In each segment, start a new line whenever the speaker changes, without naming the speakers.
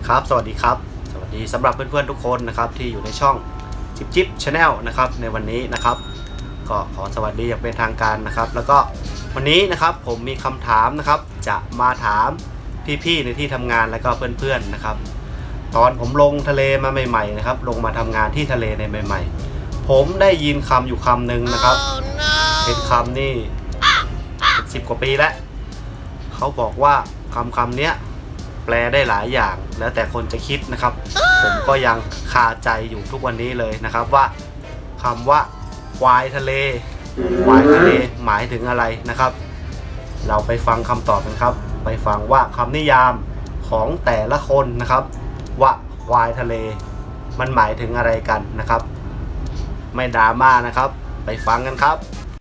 ครับสวัสดีครับสวัสดีสำหรับเพื่อนๆทุกคนนะครับที่อยู่ในช่องจิบจิบชาแนลนะครับในวันนี้นะครับก็ขอสวัสดีอย่างเป็นทางการนะครับแล้วก็วันนี้นะครับผมมีคำถามนะครับจะมาถามพี่ๆในที่ทำงานแล้วก็เพื่อนๆนะครับตอนผมลงทะเลมาใหม่ๆนะครับลงมาทำงานที่ทะเลในใหม่ๆผมได้ยินคำอยู่คำหนึ่งนะครับ เป็นคำนี่10 กว่าปีแล้วเขาบอกว่าคำเนี้ยแปลได้หลายอย่างแล้วแต่คนจะคิดนะครับผมก็ยังคาใจอยู่ทุกวันนี้เลยนะครับว่าคำว่าควายทะเลหมายถึงอะไรนะครับเราไปฟังคำตอบกันครับไปฟังว่าคำนิยามของแต่ละคนนะครับว่าควายทะเลมันหมายถึงอะไรกันนะครับไม่ดราม่านะครับไปฟังกันครับ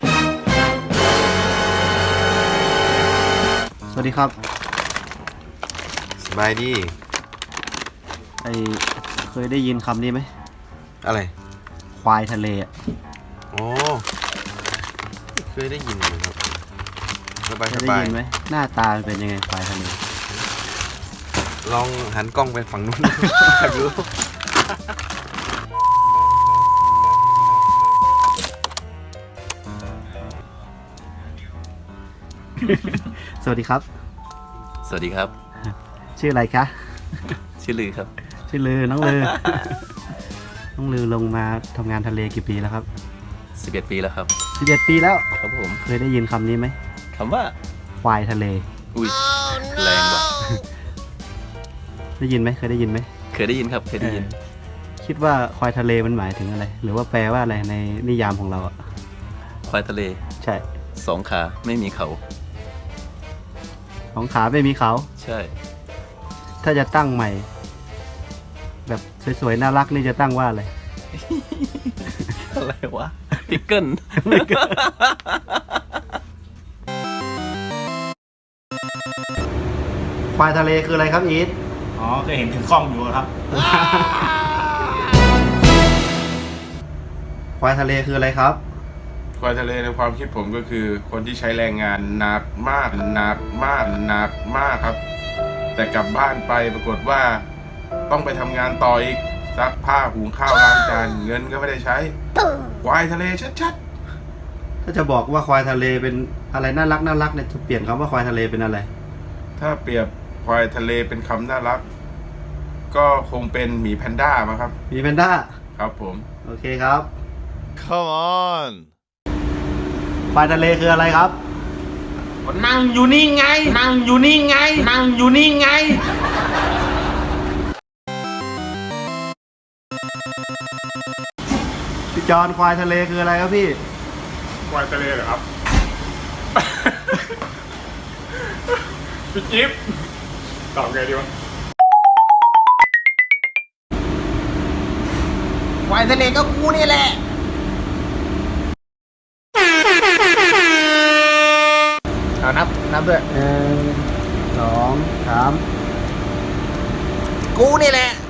สวัสดีครับ
สบายดี
เคยได้ยินคำนี้ไหม
อะไร
ควายทะเลอ่ะ
โอ้เคยได้ยินไหมครับสบาย
ได้ยินไหมหน้าตาเป็นยังไงควายทะเล
ลองหันกล้องไปฝั่งนู้นอยากรู้
สวัสดีครับ
สวัสดีครับ
ชื่ออะไรคะ
ชื่อลือครับ
ชื่อลือน้องลือ น้องลือลงมาทำงานทะเลกี่ปีแล้วครับ
11 ปีแล้วครับ
11 ปีแล้ว
ครับผม
เคยได้ยินคำนี้ไหม
คำว่า
ควายทะเล
อุ้ยแรงว่ะ
ได้ยินไหมเคยได้ยินไหม
เคยได้ยินครับเคยได้ยิน
คิดว่าควายทะเลมันหมายถึงอะไรหรือว่าแปลว่าอะไรในนิยามของเราอะ
ควายทะเล
ใช่
2 ขาไม่มีเขา
2 ขาไม่มีเขา
ใช่
ถ้าจะตั้งใหม่แบบสวยๆน่ารักนี่จะตั้งว่าอะไร
อะไรวะพิกเกิล
ควายทะเลคืออะไรครับอีท
เคยเห็นถึงกล้องอยู่ครับ
ควายทะเลคืออะไรครับ
ควายทะเลในความคิดผมก็คือคนที่ใช้แรงงานหนักมากครับแต่กลับบ้านไปปรากฏว่าต้องไปทำงานต่ออีกซักผ้าหุงข้าวล้างจานเงินก็ไม่ได้ใช้ควายทะเลชัด
ๆถ้าจะบอกว่าควายทะเลเป็นอะไรน่ารักเนี่ยจะเปลี่ยนคำว่าควายทะเลเป็นอะไร
ถ้าเปรียบควายทะเลเป็นคำน่ารักก็คงเป็นหมีแพนด้ามั้งครับ
หมีแพนด้า
ครับผม
โอเคครับ
Come on
ควายทะเลคืออะไรครับ
นั่งอยู่นี่ไง
พี่จอนควายทะเลคืออะไรครับพี่
ควายทะเลเหรอครับ พี่จิ๊บตอบไงดีวะ
ควายทะเลก็กูนี่แหละเอานับด้วย
1 2 3
กูนี่แหละ